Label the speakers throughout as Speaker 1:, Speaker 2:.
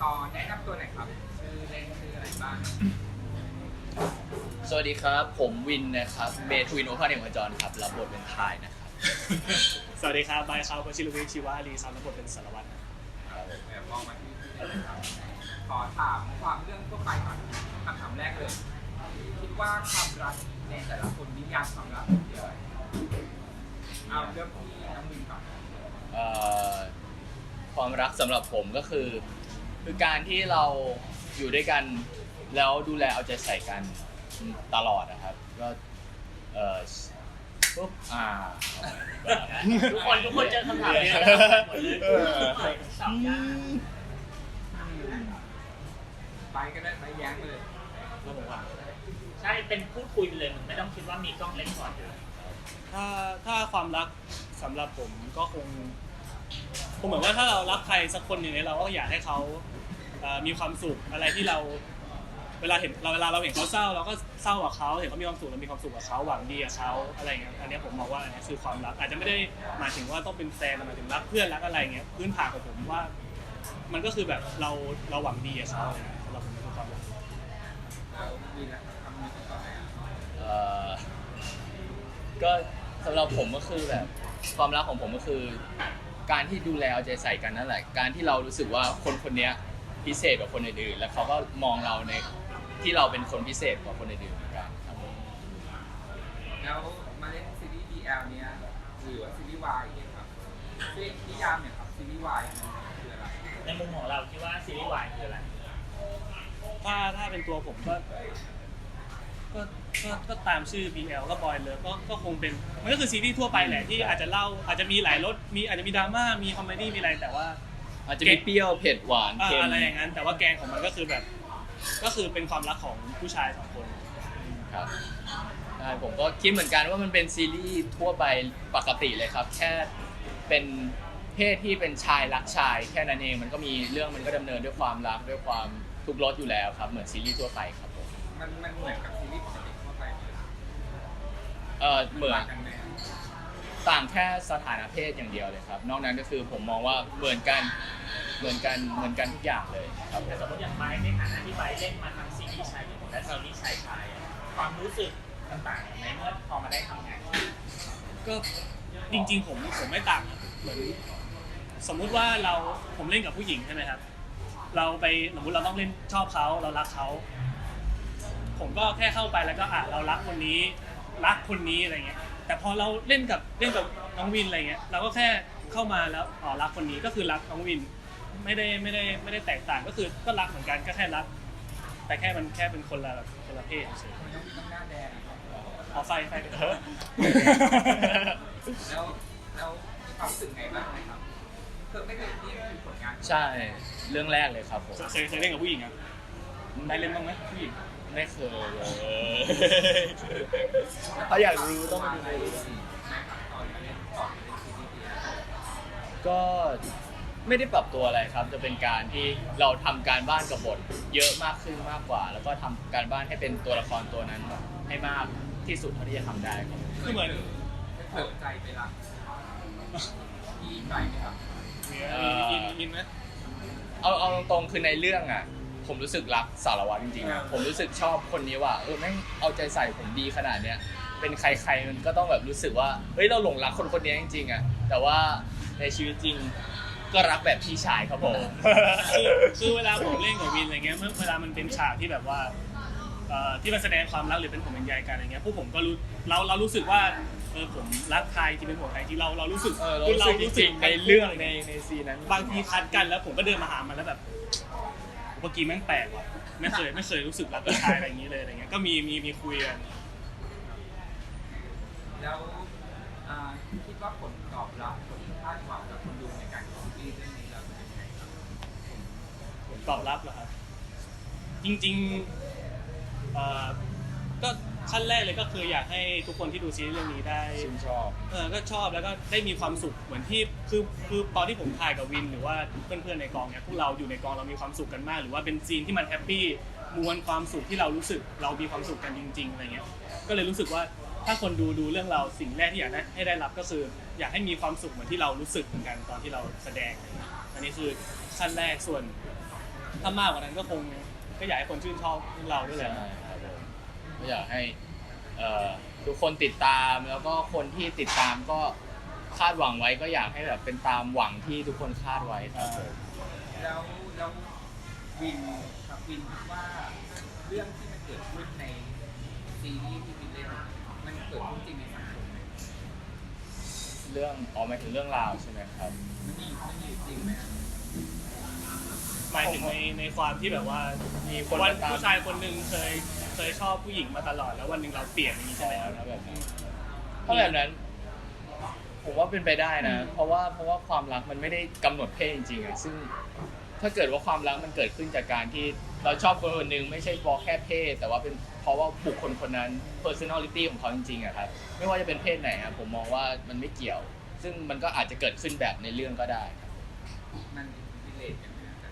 Speaker 1: ตอนแนะนำตัวหน่อยครับชื่อเล่นชื่ออะไรบ้าง
Speaker 2: สวัสดีครับผมวินนะครับเบทวินโอภาสเอกจรครับรับบทเป็นทายนะครับ
Speaker 3: สวัสดีครับบายครับวชิรวิทย์ชีวารีครับรับบทเป็นสารวัตร
Speaker 1: แบบมองมาที่เลยครับขอถามความเรื่องทั่วไปก่อนคำถามแรกเลยคิดว่าความรักในแต่ละคนนิยามความรักเป็นยังไงเอาเรื่องที่น้องวินก่อน
Speaker 2: ความรักสำหรับผมก็คือการที่เราอยู่ด้วยกันแล้วดูแลเอาใจใส่กันตลอดนะครับก็ปุ๊บ
Speaker 4: ทุกคนเจอคำถามนี้หมดเลยสับยาก
Speaker 1: ไปก็ได้ไปแย้งเลย
Speaker 4: ใช่เป็นพูดคุยไปเลยไม่ต้องคิดว่ามีกล้องเล็กก่อนอยู่
Speaker 3: ถ้าความรักสำหรับผมก็คงเหมือนว่าถ้าเรารักใครสักคนหนึ่งเนี่ยเราก็อยากให้เขามีความสุขอะไรที่เราเวลาเราเห็นเขาเศร้าเราก็เศร้ากับเขาเห็นเขามีความสุขเรามีความสุขกับเขาหวังดีกับเขาอะไรเงี้ยอันนี้ผมมองว่าอันนี้คือความรักอาจจะไม่ได้หมายถึงว่าต้องเป็นแฟนหมายถึงรักเพื่อนรักอะไรเงี้ยพื้นฐานของผมว่ามันก็คือแบบเราหวังดีกับเขาสำหรับผมคือความรัก
Speaker 1: แล้วมีนะคำนี้ต่อไป
Speaker 2: ก็สำหรับผมก็คือแบบความรักของผมก็คือการที่ดูแลเอาใจใส่กันนั่นแหละการที่เรารู้สึกว่าคนคนนี้พิเศษกว่าคนอื่นๆแล้วเขาก็มองเราในที่เราเป็นคนพิเศษกว่าคนอื่นๆเหมือนกันครับ
Speaker 1: แล้วมาเล่นซีรีส์ BL เนี้ยหรือว่าซีรีส์ Y เนี่ยครับนิยามเนี่ยครับซีรีส์ Y คืออะไร
Speaker 4: ในมุมของเราคิดว่าซีรีส์วายคืออะไร
Speaker 3: ถ้าเป็นตัวผมก็ตามชื่อ BL ก็บอยเลยก็คงเป็นมันก็คือซีรีส์ทั่วไปแหละที่อาจจะมีหลายรสอาจจะมีดราม่ามีคอมเมดี้มีอะไรแต่ว่า
Speaker 2: อาจจะมีเปรี้ยวเผ็ดหวานเค็ม
Speaker 3: อะไรอย่างนั้นแต่ว่าแกนของมันก็คือแบบก็คือเป็นความรักของผู้ชายสองคน
Speaker 2: ครับใช่ผมก็คิดเหมือนกันว่ามันเป็นซีรีส์ทั่วไปปกติเลยครับแค่เป็นเพศที่เป็นชายรักชายแค่นั้นเองมันก็มีเรื่องมันก็ดำเนินด้วยความรักด้วยความทุกข์รสอยู่แล้วครับเหมือนซีรีส์ทั่วไปครับผม
Speaker 1: มันเหมือนกับซีรีส์ปกติทั่วไป
Speaker 2: เหมือนต่างแค่สถานะเพศอย่างเดียวเลยครับนอกนั้นก็คือผมมองว่าเหมือนกันทุกอย่างเลยครับ
Speaker 4: แต่สมมติอย่างไบในฐานะที่ไบเล่นมาทั้งซีรีส์ชายหญิงและซีรีส์ชายความรู้สึกต่างๆในเมื่อพอมาได้ทำงาน
Speaker 3: ก็จริงๆผมไม่ต่างเหมือนสมมุติว่าผมเล่นกับผู้หญิงใช่ไหมครับเราไปสมมติเราต้องเล่นชอบเขาเรารักเขาผมก็แค่เข้าไปแล้วก็เรารักคนนี้อะไรเงี้ยแต่พอเราเล่นกับน้องวินอะไรเงี้ยเราก็แค่เข้ามาแล้วรักคนนี้ก็คือรักน้องวินไม่ได้แตกต่างก็คือก็รักเหมือนกันก็แค่รักแต่แค่มันแค่เป็นคนละเพศเฉย
Speaker 1: ๆต้องหน้าแดง
Speaker 3: ไฟ
Speaker 1: แล้วความรู้สึกไงบ้างครับไม่เคยนี่คือผลงาน
Speaker 2: ใช่เรื่องแรกเลยครับผม
Speaker 3: เคยเล่นกับผู้หญิงครับได้เล่นบ้างไหมผู้หญิง
Speaker 2: ไม่เคยถ้าอยากรู้ต้องมาดูในเรื่องก็ไม่ได้ปรับตัวอะไรครับจะเป็นการที่เราทำการบ้านกับบทเยอะมากขึ้นมากกว่าแล้วก็ทำการบ้านให้เป็นตัวละครตัวนั้นให้มากที่สุดเท่าที่จะทำได้ครับ
Speaker 3: คือเหมือน
Speaker 1: เปิดใจไปรักอินใจไหมครับ
Speaker 3: อินไหม
Speaker 2: เอาตรงๆคือในเรื่องอ่ะผมรู้สึกรักสารวัตรจริงๆอะผมรู้สึกชอบคนนี้ว่าแม่งเอาใจใส่ผมดีขนาดเนี้ยเป็นใครๆมันก็ต้องแบบรู้สึกว่าเฮ้ยเราหลงรักคนนี้จริงๆอ่ะแต่ว่าในชีวิตจริงก็รักแบบพี่ชายครับผม
Speaker 3: คือเวลาผมเล่นกับวินอะไรเงี้ยเวลามันเป็นฉากที่แบบว่าที่มันแสดงความรักหรือเป็นผมเป็นใยกันอะไรเงี้ยพวกผมก็เรารู้สึกว่าผมรักใครที่เป็นหัวใครที่เรารู้สึก
Speaker 2: จริงในเรื่องในซีนนั้น
Speaker 3: บางทีคัดกันแล้วผมก็เดินมาหามันแล้วแบบเมื่อกี้แม่งแปลกว่ะไม่เคยรู้สึกรักผู้ชายอะไรอย่างนี้เลยอะไรเงี้ยก็มีคุยกัน
Speaker 1: แล้วคิดว่าผลตอบรับผลคาดหวังจากคนดูในการดูซีรีส์เรื่องนี้เราเป็นยังไงครับ
Speaker 3: ผลตอบรับเหรอครับจริงๆก็ขั้นแรกเลยก็คืออยากให้ทุกคนที่ดูซีรีส์เรื่องนี้ได้
Speaker 2: ชื่นชอบ
Speaker 3: ก็ชอบแล้วก็ได้มีความสุขเหมือนที่คือตอนที่ผมถ่ายกับวินหรือว่าเพื่อนๆในกองเนี่ยพวกเราอยู่ในกองเรามีความสุขกันมากหรือว่าเป็นซีนที่มันแฮปปี้มวลความสุขที่เรารู้สึกเรามีความสุขกันจริงๆอะไรเงี้ยก็เลยรู้สึกว่าถ้าคนดูเรื่องเราสิ่งแรกที่อยากให้ได้รับก็คืออยากให้มีความสุขเหมือนที่เรารู้สึกเหมือนกันตอนที่เราแสดงอันนี้คือขั้นแรกส่วนถ้ามากกว่านั้นก็อยากให้คนชื่นชอบเราด้วยแห
Speaker 2: ใช่
Speaker 3: ละ
Speaker 2: ครับผมก็อยากให้ทุกคนติดตามแล้วก็คนที่ติดตามก็คาดหวังไว้ก็อยากให้แบบเป็นตามหวังที่ทุกคนคาดไว้ครับผม
Speaker 1: แล้ววินครับวินคิดว่าเรื่องที่มันเกิดขึ้นในซีรีส์ที่วินเล่นมันเกิดขึ้นจริงในสังคมไหม
Speaker 2: เรื่องหมายถึงเรื่องราวใช่ไหมครับ
Speaker 1: มันมีอยู่จริงไหมครับ
Speaker 3: หมายถึงในความที่แบบว่า
Speaker 2: มีคน
Speaker 3: วัน
Speaker 2: ตาม
Speaker 3: ผู้ชายคนหนึ่งเคยชอบผู้หญิงมาตลอดแล้ววันหนึ่งเราเปลี่ยนอย่างนี้ใช่ไหมครับ
Speaker 2: ถ้าแบบนั้นผมว่าเป็นไปได้นะ เพราะว่าความรักมันไม่ได้กำหนดเพศจริงๆอะซึ่งถ้าเกิดว่าความรักมันเกิดขึ้นจากการที่เราชอบคนคนหนึ่งไม่ใช่เพราะแค่เพศ แต่ว่าเป็นเพราะว่าบุคคลคนนั้น personality ของเขาจริงๆอะครับไม่ว่าจะเป็นเพศไหนครับผมมองว่ามันไม่เกี่ยว ซึ่งมันก็อาจจะเกิดขึ้นแบบในเรื่องก็ได้ครับ
Speaker 1: มันรีเลทกันไหมครับ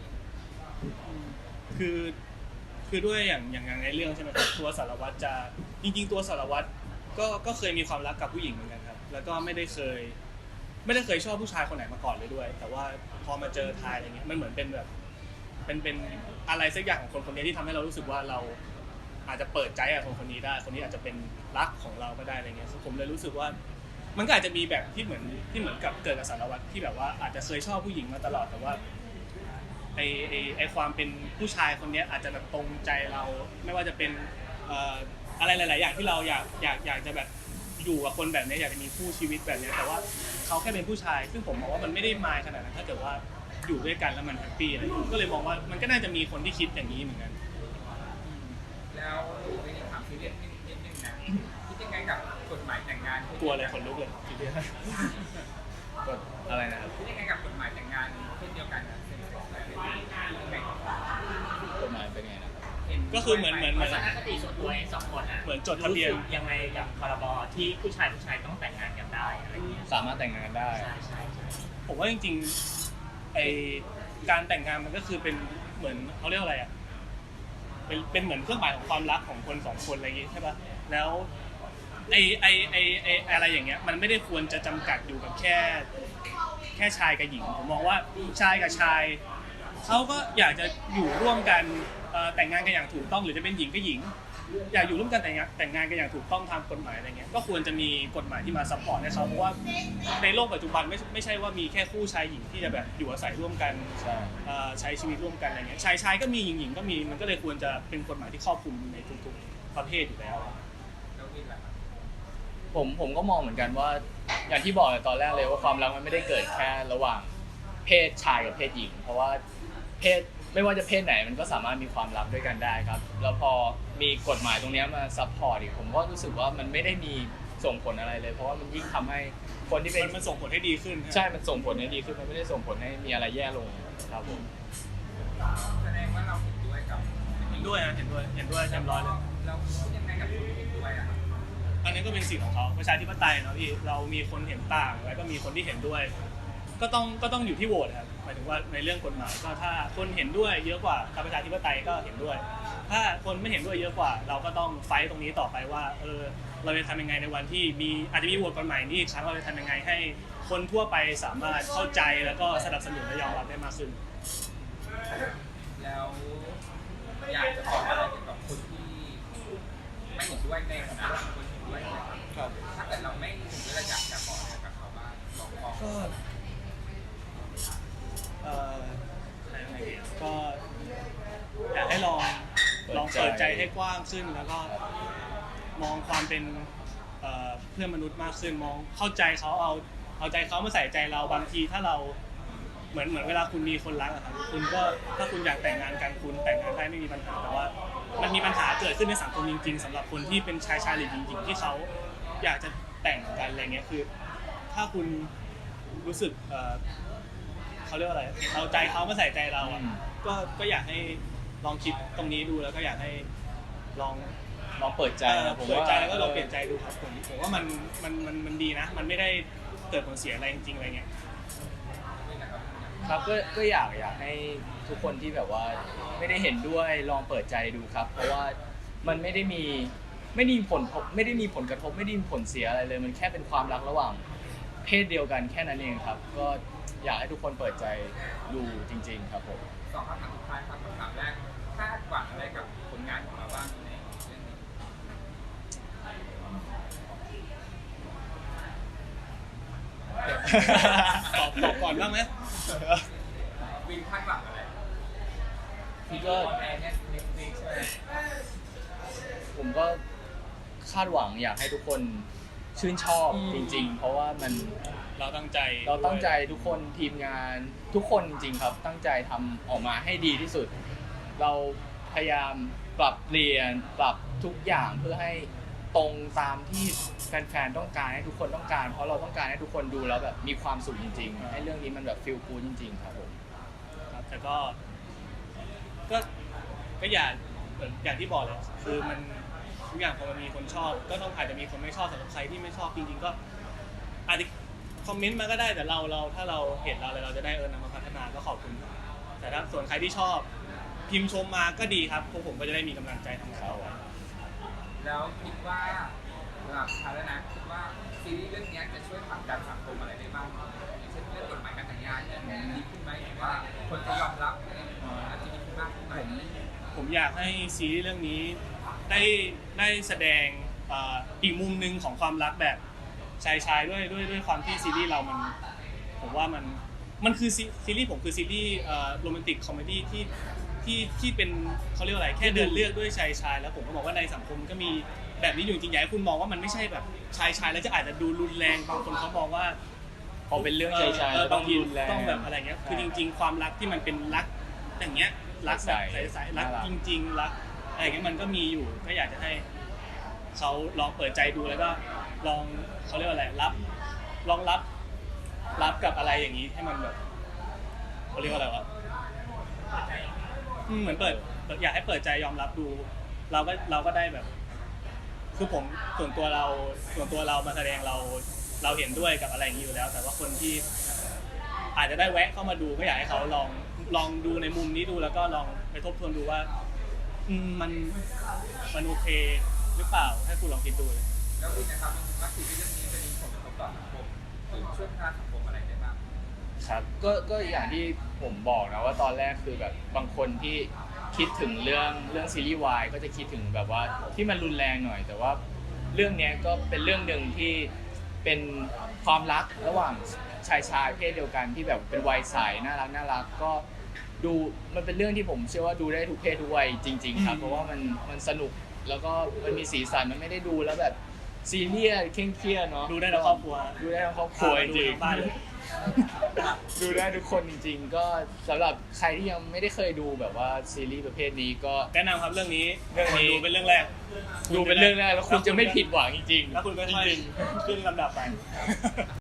Speaker 3: คือด้วยอย่างในเรื่องใช่ไหมครับตัวสารวัตรจะจริงๆตัวสารวัตรก็เคยมีความรักกับผู้หญิงเหมือนกันครับแล้วก็ไม่ได้เคยชอบผู้ชายคนไหนมาก่อนเลยด้วย แต่ว่าพอมาเจอทายอะไรเงี้ยมันเหมือนเป็นแบบเป็นอะไรสักอย่างของคนคนนี้ที่ทำให้เรารู้สึกว่าเราอาจจะเปิดใจกับคนคนนี้ได้คนนี้อาจจะเป็นรักของเราก็ได้อะไรเงี้ยผมเลยรู้สึกว่ามันก็อาจจะมีแบบที่เหมือนกับเกิดกับสารวัตรที่แบบว่าอาจจะเคยชอบผู้หญิงมาตลอดแต่ว่าไอความเป็นผู้ชายคนนี้อาจจะแบบตรงใจเราไม่ว่าจะเป็นอะไรหลายๆอย่างที่เราอยากจะแบบอยู่กับคนแบบนี้อยากจะมีคู่ชีวิตแบบนี้แต่ว่าเขาแค่เป็นผู้ชายซึ่งผมมองว่ามันไม่ได้มายขนาดนั้นถ้าเกิดว่าอยู่ด้วยกันแล้วมันแฮปปี้อะไรก็เลยมองว่ามันก็น่าจะมีคนที่คิดอย่างนี้เหมือนกัน
Speaker 1: แล้ววินถามซีเรียสนิดนึงนะคิดยังไงกับกฎหมายแต่งงาน
Speaker 3: กลัวอะไรคนลุกเลยทีเดียว
Speaker 2: กดอะไรนะครับ
Speaker 1: คิดยังไงกับกฎหมายแต่งงานเช่นเดียวกันนะเซ็นเซ็กซ์อะไรแบบนี้ยังไง
Speaker 2: กฎหมายเป็นไงนะครับ
Speaker 3: ก็คือเหมือน
Speaker 4: ทัศนคติส่วนตัวเองสองคนอ่ะ
Speaker 3: เหมือนจดทะเบียน
Speaker 4: รู้สึกยังไงกับพรบที่ผู้ชายต้องแต่งงานกันได้อะไรอย่างเงี้ย
Speaker 2: สามารถแต่งงานได้
Speaker 4: ใช่
Speaker 3: ผมว่าจริงๆไอการแต่งงานมันก็คือเป็นเหมือนเขาเรียกอะไรอ่ะเป็นเหมือนเครื่องหมายของความรักของคนสองคนอะไรอย่างงี้ใช่ป่ะแล้วไออะไรอย่างเงี้ยมันไม่ได้ควรจะจำกัดอยู่กับแค่ชายกับหญิงผมมองว่าชายกับชายเขาก็อยากจะอยู่ร่วมกันแต่งงานกันอย่างถูกต้องหรือจะเป็นหญิงกับหญิง อยากอยู่ร่วมกันแต่งงานกันอย่างถูกต้องตามกฎหมายอะไรเงี้ยก็ควรจะมีกฎหมายที่มาซัพพอร์ตให้เขาเพราะว่าในโลกปัจจุบันไม่ใช่ว่ามีแค่คู่ชายหญิงที่จะแบบอยู่อาศัยร่วมกัน
Speaker 2: ใช่
Speaker 3: ใช้ชีวิตร่วมกันอะไรเงี้ยชายก็มีหญิงก็มีมันก็เลยควรจะเป็นกฎหมายที่ครอบคลุมในทุกๆประเภทอยู่แล้ว
Speaker 1: แล้ววินล่ะครับ
Speaker 2: ผมก็มองเหมือนกันว่าอย่างที่บอกในตอนแรกเลยว่าความรักมันไม่ได้เกิดแค่ระหว่างเพศชายกับเพศหญิง เพราะว่าเพศไม่ว่าจะเพศไหนมันก็สามารถมีความรักด้วยกันได้ครับแล้วพอมีกฎหมายตรงนี้มาซัพพอร์ตอีกผมก็รู้สึกว่ามันไม่ได้มีส่งผลอะไรเลย เพราะว่ามันยิ่งทำให้คนที่เป็น
Speaker 3: มันส่งผลให้ดีขึ้น
Speaker 2: ใช่มันส่งผลให้ดีขึ้นมันไม่ได้ส่งผลให้มีอะไรแย่ลงครับผม
Speaker 1: แสดงว่าเราเห็นด้วยกับ
Speaker 3: เห็นด้วยเต็มร้อยเลย
Speaker 1: เราคิดยังไงกับคนที่เห็นด้วยอะครับ
Speaker 3: อันนี้ก็เป็นสิทธิ์ของเขาประชาธิปไตยเนาะพี่เรามีคนเห็นต่างแล้วก็มีคนที่เห็นด้วย ก็ต้องอยู่ที่โหวตครับหมายถึงว่าในเรื่องกฎหมายก็ถ้าคนเห็นด้วยเยอะกว่าประชาธิปไตยก็เห็นด้วย ถ้าคนไม่เห็นด้วยเยอะกว่า เราก็ต้องไฟต์ตรงนี้ต่อไปว่าเราจะทำยังไงในวันที่อาจจะมีโหวตกฎหมายนี้อีกครั้งเราจะทำยังไงให้คนทั่วไปสามารถเข้าใจแล้วก็สนับสนุนและยอมรับได้มากขึ้น
Speaker 1: แล้วอยากจะบอกอะไรเกี่ยวกับคนที่ไม่เห็นด้วยในฐานะคนเห็นด้วยนะครับถ้าเกิดเราไม่เห็นด้วยเราอยากจะบอกอะไรกับเขาบ้างบอก
Speaker 3: ก็ก็อยากให้ลองเปิดใจให้กว้างขึ้นแล้วก็มองความเป็นเพื่อนมนุษย์มากขึ้นมองเข้าใจเขาเอาใจเขามาใส่ใจเราบางทีถ้าเราเหมือนเวลาคุณมีคนรักอะครับคุณก็ถ้าคุณอยากแต่งงานกันคุณแต่งงานได้ไม่มีปัญหาแต่ว่ามันมีปัญหาเกิดขึ้นในสังคมจริงๆสำหรับคนที่เป็นชายหรือหญิงที่เขาอยากจะแต่งกันอะไรเงี้ยคือถ้าคุณรู้สึกเขาเรียกว่าอะไรเอาใจเขามาใส่ใจเราอ่ะก็อยากให้ลองคิดตรงนี้ดูแล้วก็อยากให้ลอง
Speaker 2: เปิดใจนะผม
Speaker 3: เปิด
Speaker 2: ว่า
Speaker 3: ใจแล้วก็ลองเปลี่ยนใจดูครับผมว่ามันดีนะมันไม่ได้เกิดผลเสียอะไรจริงๆอะไรเงี้ย
Speaker 2: ครับก็อยากให้ทุกคนที่แบบว่าไม่ได้เห็นด้วยลองเปิดใจดูครับ เพราะว่ามันไม่ได้มีผลกระทบไม่ได้มีผลเสียอะไรเลยมันแค่เป็นความรักระหว่างเพศเดียวกันแค่นั้นเองครับก็อยากให้ทุกคนเปิดใจดูจริง ๆ ครับผม
Speaker 1: สองคำถามสุดท้ายครับคำถามแรกคาดหวังอะไรกับผลงานของเราบ้างในเรื่องนี้
Speaker 3: ตอบก่อนบ้างไหม
Speaker 1: วินคาดหวังอะไร
Speaker 2: พี่ก็
Speaker 1: ออนแอร์เนี่ยเน็ตฟลิกใช่ไหม
Speaker 2: ผมก็คาดหวังอยากให้ทุกคนชื่นชอบจริง ๆ เพราะว่ามัน
Speaker 3: เราตั้งใจ
Speaker 2: เราตั้งใจทุกคนทีมงานทุกคนจริง ๆ ครับ ตั้งใจทำออกมาให้ดีที่สุด เราพยายามปรับเปลี่ยนปรับทุกอย่างเพื่อให้ตรงตามที่แฟนๆต้องการให้ทุกคนต้องการ เพราะเราต้องการให้ทุกคนดูแล้วแบบมีความสุขจริงๆให้เรื่องนี้มันแบบฟีลกู๊ดจริง ๆ ครับผม
Speaker 3: ครับแต่ก็อย่างที่บอกเลยคือมันทุกอย่างพอมันมีคนชอบ ก็ต้องอาจจะมีคนไม่ชอบสำหรับใครที่ไม่ชอบจริงๆก็อาจจะคอมเมนต์มาก็ได้แต่เราถ้าเราเห็นเราจะได้นำมาพัฒนาก็ขอบคุณแต่ถ้าส่วนใครที่ชอบพิมพ์ชมมาก็ดีครับพวกผมก็จะได้มีกำลังใจทำงานต่อไป
Speaker 1: แล้วคิดว่าสำหรับท้ายแล้วนะคิดว่าซีรีส์เรื่องนี้จะช่วยผลักดันสังคมอะไรได้บ้างอย่างเช่นเรื่องกฎหมายการแต่งงานเนี่ยดีขึ้นไหมหรือว่าคนจะยอมรับLGBT มากขึ้นไหม
Speaker 3: ผมอยากให้ซีรีส์เรื่องนี้ได้แสดงอีกมุมหนึ่งของความรักแบบชายด้วยความที่ซีรีส์เราผมว่ามันคือซีรีส์ผมคือซีรีส์โรแมนติกคอมเมดี้ที่เป็นเขาเรียกว่าอะไรแค่เดินเลือกด้วยชายแล้วผมก็บอกว่าในสังคมก็มีแบบนี้อยู่จริงๆอยากให้คุณมองว่ามันไม่ใช่แบบชายแล้วจะอาจจะดูรุนแรงบางคนเขามองว่า
Speaker 2: พอเป็นเรื่องชายๆ
Speaker 3: บางที
Speaker 2: รุนแรง
Speaker 3: ต้องแบบอะไรเงี้ยคือจริง ๆ ความรักที่มันเป็นรักอย่างเงี้ยรักแบบใสๆรักจริงๆรักอะไรเงี้ยมันก็มีอยู่ก็อยากจะให้เขาลองเปิดใจดูแล้วก็ลองเขาเรียกว่าอะไรลองรับกับอะไรอย่างนี้ให้มันแบบเขาเรียกว่าอะไรวะเหมือนอยากให้เปิดใจยอมรับดูเราก็ได้แบบ คือผมส่วนตัวเรามาแสดงเราเห็นด้วยกับอะไรอย่างนี้อยู่แล้ว แต่ว่าคนที่อาจจะได้แวะเข้ามาดูก็อยากให้เขาลองดูในมุมนี้ดูแล้วก็ลองไปทบทวนดูว่ามันโอเคหรือเปล่าให้คุณลองคิดดูเลย
Speaker 1: แล้ววินนะครับว่าซีรีส์เรื่องนี้จะมีผลกระทบต่อสังคมหรือช่วยพัฒนาสังคมอะไรได้บ้าง
Speaker 2: ครับก็อย่างที่ผมบอกนะว่าตอนแรกคือแบบบางคนที่คิดถึงเรื่องซีรีส์วายก็จะคิดถึงแบบว่าที่มันรุนแรงหน่อย แต่ว่าเรื่องนี้ก็เป็นเรื่องหนึ่งที่เป็นความรักระหว่างชายเพศเดียวกันที่แบบเป็นวัยใสน่ารักก็ดูมันเป็นเรื่องที่ผมเชื่อว่าดูได้ทุกเพศทุกวัยจริงๆครับเพราะว่ามันสนุกแล้วก็มันมีสีสันมันไม่ได้ดูแล้วแบบซีเรียสเคร่งเครียดเนาะ
Speaker 3: ดูได้ทั้งครอบครัว
Speaker 2: ดูได้ทั้งครอบครัวจริง
Speaker 3: ดูทั้งบ้านเลย
Speaker 2: ดูได้ทุกคนจริงๆ ก็สำหรับใครที่ยังไม่ได้เคยดูแบบว่าซีรีส์ประเภทนี้ก็
Speaker 3: แนะนำครับเรื่องนี้
Speaker 2: เรื่องนี้
Speaker 3: ดูเป็นเรื่องแรก
Speaker 2: ดูเป็นเรื่องแรกแล้วคุณจะไม่ผิดหวังจริงๆ
Speaker 3: แล้วคุณก็ค่อย
Speaker 2: จริง
Speaker 3: ขึ้นลำดับไป